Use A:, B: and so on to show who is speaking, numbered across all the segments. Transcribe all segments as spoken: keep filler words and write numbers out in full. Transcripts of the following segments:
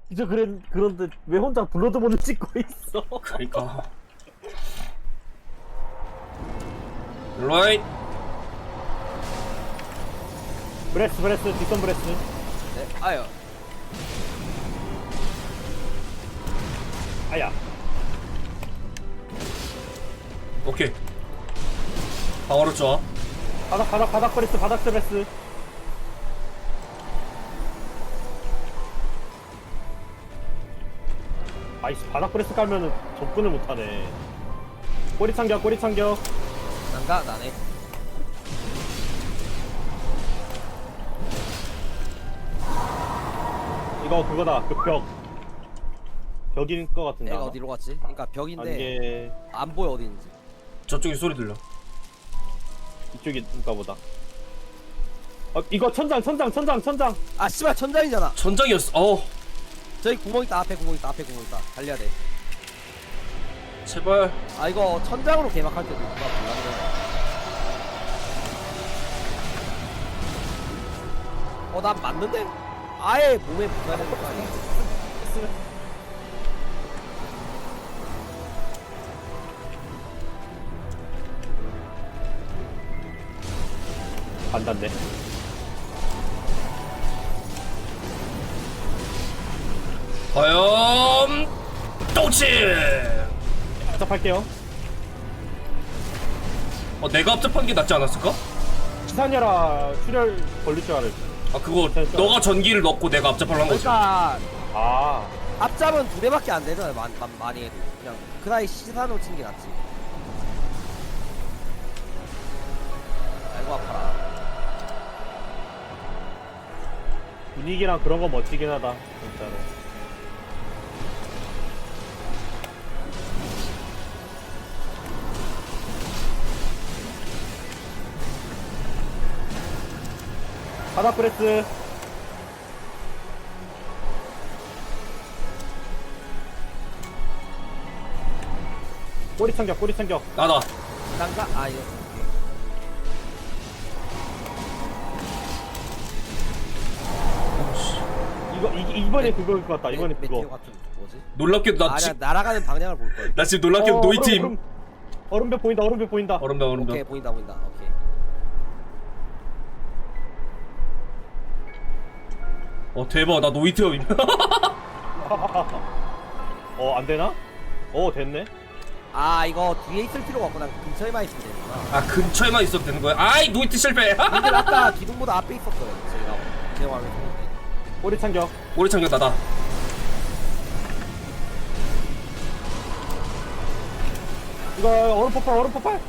A: 진짜 그래, 그런데 왜 혼자 블러드본을 찍고 있어?
B: 그러니까. 라이트.
A: 브레스 브레스 뒷선 브레스.
C: 네, 아유.
A: 아야.
B: 오케이. 방어로 좋아.
A: 바닥 바닥 바닥 브레스 바닥 브레스. 아이씨 바닥 브레스 깔면은 접근을 못하네. 꼬리 참격 꼬리 참격.
C: 난가 나네.
A: 이거 그거다 그 벽. 벽인 것 같은데.
C: 얘가
A: 아마?
C: 어디로 갔지? 그러니까 벽인데
A: 이게
C: 안 보여 어디 있는지.
B: 저쪽에 소리 들려.
A: 이쪽인가 보다. 어 이거 천장 천장 천장 천장.
C: 아 씨발 천장이잖아.
B: 천장이었어. 어.
C: 저기 구멍 있다. 앞에 구멍 있다. 앞에 구멍 있다. 달려야 돼.
B: 제발.
C: 아 이거 천장으로 개막할 때도 누가 몰랐네. 어난 맞는데? 아예 몸에 붙어야 되는 거 아니야?
A: 안 닿네.
B: 과연 똥치.
A: 시작할게요.
B: 어 내가 앞접한 게 낫지 않았을까?
A: 기사녀라 출혈 걸릴 줄 알았어.
B: 아 그거
A: 됐어.
B: 너가 전기를 넣고 내가 앞접하려 한 거지.
C: 그러니까
A: 아
C: 앞잡은 두 대밖에 안 되잖아요. 많, 많, 많이 해도 그냥 그 나이 시사노 친 게 낫지. 아이고 아파라.
A: 분위기랑 그런 거 멋지긴 하다 진짜로. 바닥 프레스. 꼬리 참격 꼬리 참격.
B: 나다.
C: 난가? 아 이거
A: 이거 이, 이번에 그거일 것 같다. 이번에
C: 메, 메테오
A: 그거.
C: 같은 뭐지?
B: 놀랍게도 나,
C: 아니야
B: 지,
C: 날아가는 방향을 볼 거야.
B: 나 지금 놀랍게도
A: 어,
B: 노이팀.
A: 얼음, 얼음, 얼음벽 보인다. 얼음벽 보인다.
B: 얼음다 얼음다.
C: 오케이 보인다 보인다. 오케이.
B: 어 대박 나 노이트업임.
A: 어 안되나? 어 됐네.
C: 아 이거 뒤에 있을 필요가 없구나. 근처에만 있으면 되는구나.
B: 아 근처에만 있어도 되는 거야? 아이 노이트 실패.
C: 근데 아까 기둥보다 앞에 있었어요. 제가 제 화면에 보는데.
A: 꼬리 참격.
B: 오리 참견 나다.
A: 이거 얼음 폭발 얼음 폭발.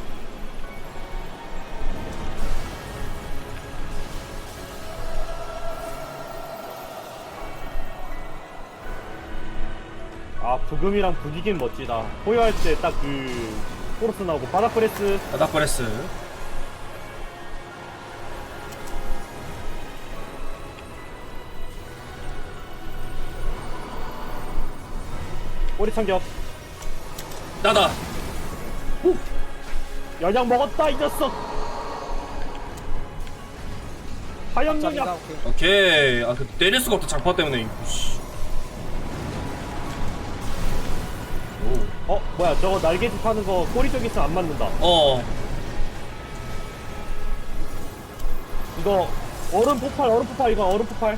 A: 아 부금이랑 분위기는 멋지다. 포효할 때 딱 그 코러스 나오고 바닥 프레스.
B: 바닥 브레스.
A: 꼬리 참격.
B: 나다.
A: 연약 먹었다 이 녀석. 화염
C: 짭이다,
A: 연약.
C: 오케이.
B: 오케이. 아 그 때릴 수가 없다 장파 때문에. 씨. 오.
A: 어 뭐야 저거 날개짓 하는 거 꼬리 쪽에 있으면 안 맞는다.
B: 어.
A: 이거 얼음 폭발 얼음 폭발 이거 얼음 폭발.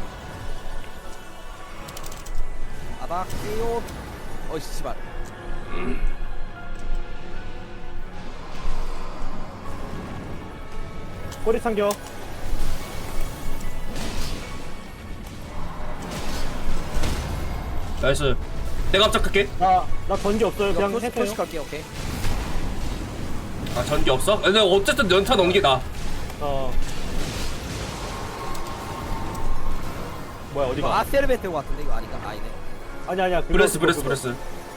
C: 바닥 깨요. 어이 씨발.
A: 꼬리 참격.
B: 나이스. 내가 앞장갈게.
A: 나나 전기 없어요.
C: 이거
A: 그냥
C: 표시
A: 해세요.
C: 표시 갈게. 오케이.
B: 아 전기 없어? 근데 어쨌든 연타 넣는 게 나.
A: 어. 뭐야
C: 이거
A: 어디가?
C: 아세르베테오 같은데 이거 아닌가? 아니네.
A: 아니 아니야. 그거,
B: 브레스
A: 그거,
B: 브레스
A: 그거.
B: 브레스.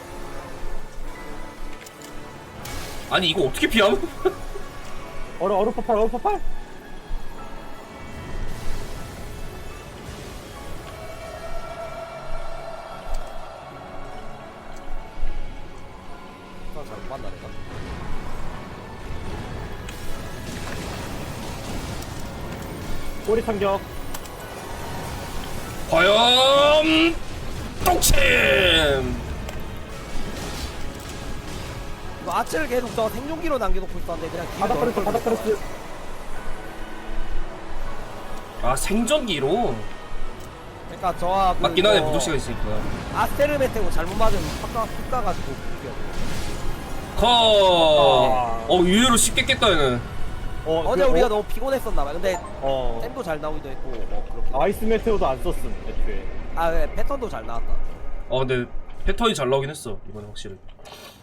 B: 아니 이거 어떻게 피함?
A: 얼음 얼음 폭발 얼음 폭발.
C: 잘못 봤나 내가.
A: 꼬리 참격.
B: 과연 똥침.
C: 이거 아츠를 계속 저 생존기로 남겨놓고 있었는데 그냥 뒤로
A: 바닥
C: 넣을
A: 프레스
C: 걸
A: 바닥
C: 그랬어.
A: 프레스.
B: 아 생전기로
C: 그러니까 저하고
B: 맞긴 하네
C: 이거
B: 무적시가 있으니까.
C: 아스테르메테고 잘못 맞으면 훅가 훅 가가지고 웃겨.
B: 커. 어 의외로 쉽게 깼다 얘는.
A: 어,
C: 어제
A: 그,
C: 우리가
A: 어,
C: 너무 피곤했었나봐. 근데
A: 어
C: 템도 잘 나오기도 했고 뭐 그렇게.
A: 아이스 메테오도 안 썼음 애초에.
C: 아 네, 패턴도 잘 나왔다.
B: 어 근데 패턴이 잘 나오긴 했어 이번에 확실히.